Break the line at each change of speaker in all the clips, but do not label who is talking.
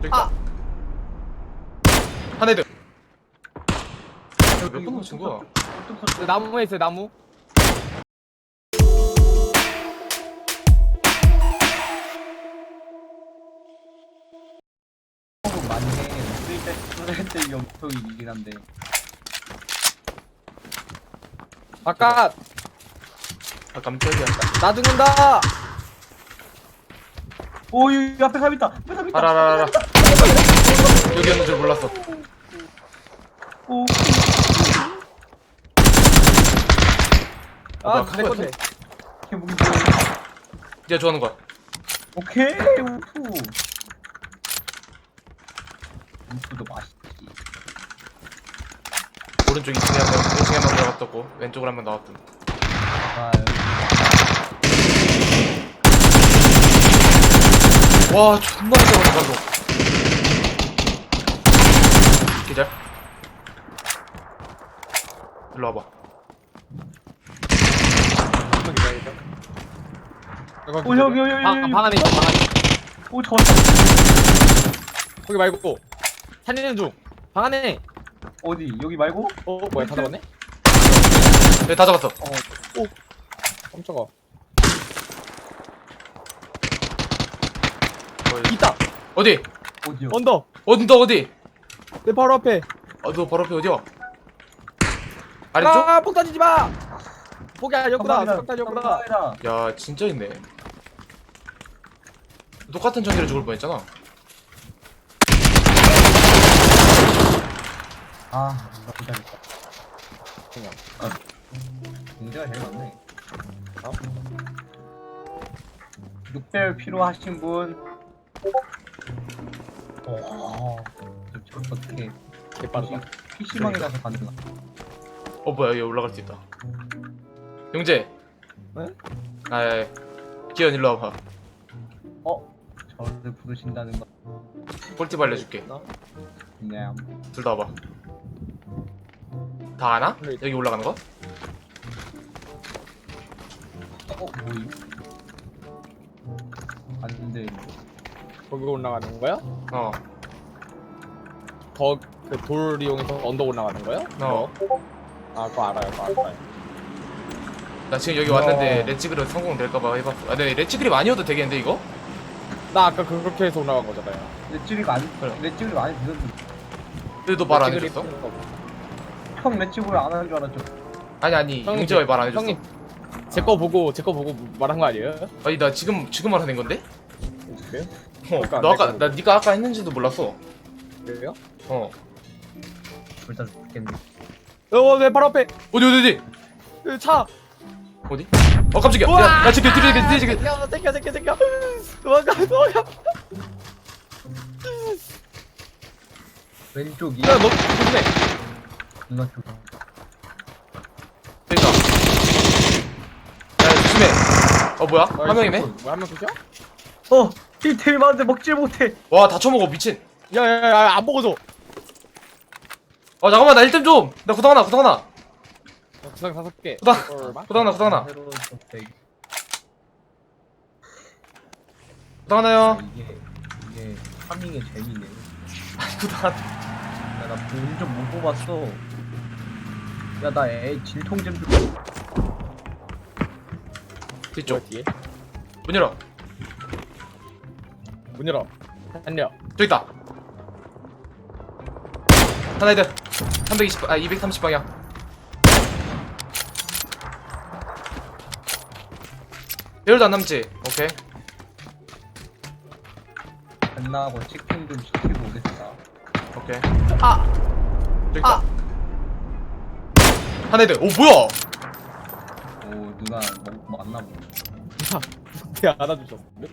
저기 있다. 한 애들. 몇 번 맞춘 거야?
나무에 있어요, 나무.
맞네. 쓸때 영통이긴 한데.
바깥.
아 깜짝이야.
나 죽는다.
오, 여기 앞에 사람 있다. 앞에 사람 있다.
알아. 여기였는 줄 몰랐어.
오,
뭐야,
아, 내 건데.
개무기.
네가 좋아하는 거야.
오케이, 우프. 우프도 맛있지.
오른쪽 2층에 한 명, 1층에 한 명 들어갔었고 왼쪽으로 한 명 나왔던.
아,
와 존나 잘한다 방금. 기절. 일로 와봐.
오, 여기.
방 안에 있어, 방 안에.
오, 저
거기 말고. 살리는 중. 방 안에.
어디? 여기 말고?
뭐야, 다 잡았네?
네, 다 잡았어.
깜짝아.
있다. 어디?
어디요?
언더.
어디?
내 바로 앞에.
너 바로 앞에 어디야? 아래쪽?
아, 폭 던지지 마. 폭이 아니었구나.
깜빡이다.
폭탄이었구나.
깜빡이다.
야 진짜 있네. 똑같은 전기를 죽을 뻔했잖아.
아, 나 기다렸다. 문제가 제일 많네. 6배율 필요하신 분. 저 어떻게
개빠르다.
PC방에 가서 가능하?
뭐야 여기 올라갈 수 있다. 용재.
네?
기현 일로 와봐.
저를 부르신다는 거.
꿀팁 알려줄게.
그냥
둘 다 와봐. 다 아나?
네.
여기 올라가는 거?
뭐임? 아닌데
거기 올라가는 거야? 그 돌 이용해서 언덕 올라가는 거야? 아, 그거 알아요, 그거 알아요.
나 지금 여기 왔는데 렛츠그립 성공될까봐 해봤어. 근데 렛츠그립 아니어도 되겠는데 이거?
나 아까 그렇게 해서 올라간 거잖아요.
렛츠립 안
그래.
렛츠립 안 해주셨는데
근데 너 말 안
렛츠그립
해줬어?
하는 거.
형 렛츠립 안 하는 줄 알았죠.
아니
형님,
용재가 왜 말 안 해줬어?
형님, 제 거 보고 말한 거 아니에요?
아니 나 지금 말하는 건데?
그래요?
너
안
아까
됐거든.
네가 아까 했는지도 몰랐어.
그래요?
둘다 죽겠네.
내 바로 앞에
어디?
그 차.
어디? 깜짝이야.
우와!
야 뒤에
챙겨. 도망가.
왼쪽이
야, 너 조심해.
누나 쪽.
저기다. 야 조심해. 뭐야? 한 명이네?
뭐야, 한명 끝이야?
힐템이 많은데 먹질 못해.
와 다 쳐먹어 미친.
야, 안 먹어줘.
잠깐만 나 1점 좀. 나 구당 하나.
구상 5개.
구당 하나.
새로운 선택.
구당 하나요.
이게 파밍의 재미네.
구당 하나.
야, 나 돈 좀 못 뽑았어. 야, 나 진통 좀 좀.
뒤쪽.
뒤에.
문 열어.
문 열어. 달려.
저기 있다. 하나 애들. 230 방향. 배율도 안 남지? 오케이.
끝나고 치킨 좀 시키고 오겠다.
오케이.
아!
저기 있다. 하나 애들. 뭐야?
오, 누나 맞나 보네.
대 안아주셨는데?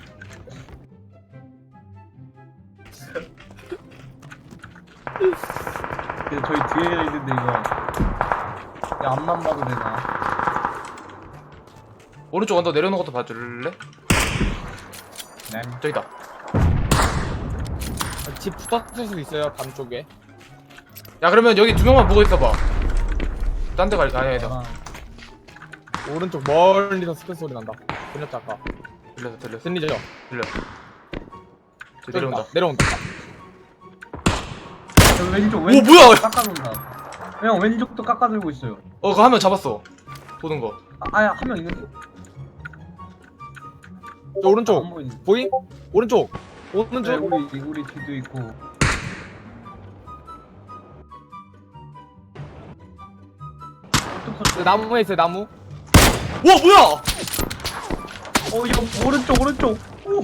저희 뒤에 있는데 이거. 야, 앞만 봐도 되나?
오른쪽 언더 내려오는 것도 봐줄래?
네.
저기다.
집 붙었을 수도 있어요, 밤 쪽에.
야 그러면 여기 2명만 보고 있어봐. 딴 데 아니다.
오른쪽 멀리서 스크 소리 난다. 들렸죠, 아까?
들렸어.
들리죠?
들려. 내려온다.
내려온다.
왼쪽
오,
왼쪽
뭐야?
깎아놓는다. 형 왼쪽도 깎아들고 있어요.
그거 한 명 잡았어. 도는 거.
아야 한 명 있는데?
저 오른쪽
안 보이네.
보임? 오른쪽
네,
오른쪽.
우리 뒤도 있고.
네, 나무에 있어요 나무.
와, 뭐야?
이거 오른쪽. 오.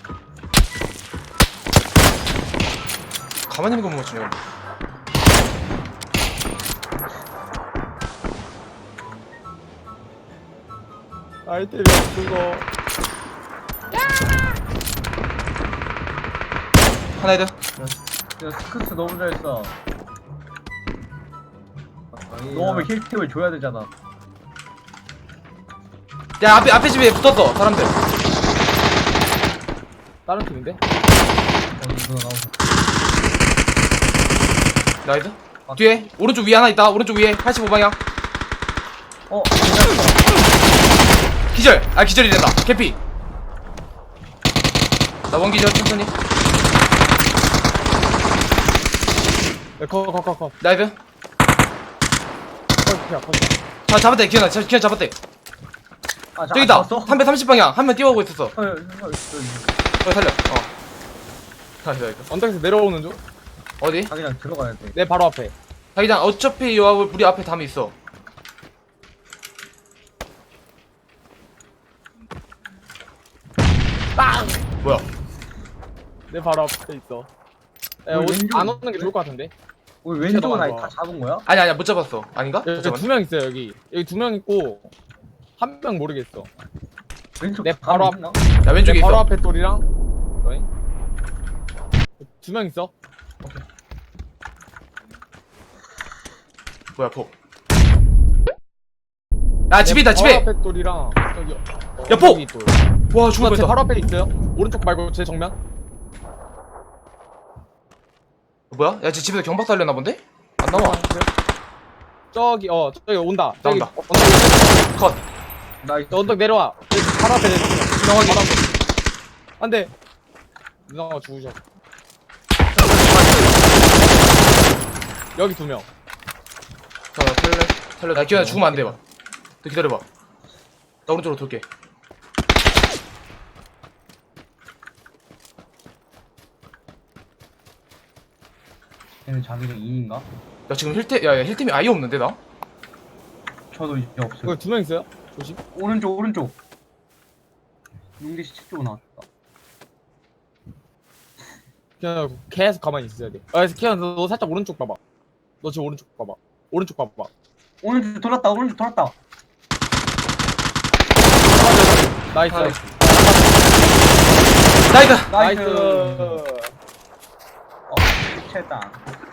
가만히 있는 거 못 맞추네.
아이템이 없어.
하나 헤드.
야 스크스 너무 잘 써. 너무 힐템을 줘야 되잖아.
야, 앞에 집에 붙었어, 사람들.
다른 팀인데?
이거 나오서.
나이스. 뒤에, 오른쪽 위에 하나 있다. 오른쪽 위에, 85방향. 기절! 기절이 된다. 개피. 나 원기절, 천천히.
네, 커.
나이스.
커.
자, 잡았대. 기현아, 잡았대. 저기 있다. 330방향. 한 명 뛰어오고 있었어. 살려. 나이스.
언덕에서 내려오는 중.
어디?
자기장 들어가야 돼.
내 바로 앞에.
자기장, 어차피 요 우리 앞에 담이 있어.
빵!
뭐야?
내 바로 앞에 있어. 야,
왼쪽
안 오는 게 좋을 것 같은데.
우리 왼쪽은 아예
거.
다 잡은 거야?
아니야, 못 잡았어. 아닌가?
여기
잠깐만.
2명 있어요 여기. 여기 2명 있고 한 명 모르겠어.
왼쪽
내 바로 앞.
있나?
야, 왼쪽에
내 바로
있어.
앞에 돌이랑. 너희? 2명 있어.
뭐야, 폭. 야, 집에 있다,
내
집에!
바로 앞에 돌이랑 저기.
야, 폭!
여기 돌.
와, 죽을
제
뻔했다.
바로 앞에 있어요. 오른쪽 말고 제 정면.
뭐야? 야, 쟤 집에서 경박 살려나 본데? 안 나와.
저기 저기 온다. 저기
나온다.
언덕,
컷.
나이스.
저 언덕 내려와. 여기 바로 앞에 내.
지나가기.
안돼. 누나가 죽으셨어. 여기 2명.
자, 살려. 나 기현아 죽으면 안 돼, 봐. 너 기다려봐. 나 오른쪽으로 돌게.
얘는 자기장 2인가?
야, 지금 야, 힐템이 아예 없는데, 나?
저도 이제 없어요.
여기 2명 있어요. 조심.
오른쪽. 용기 시체 쪽으로 나왔다.
그냥 계속 가만히 있어야 돼. 키현 너 살짝 오른쪽 봐봐. 너 지금 오른쪽 봐봐. 오른쪽 봐봐.
오른쪽 돌았다.
나이스.
나이스.
나이스.
나이스.
체다.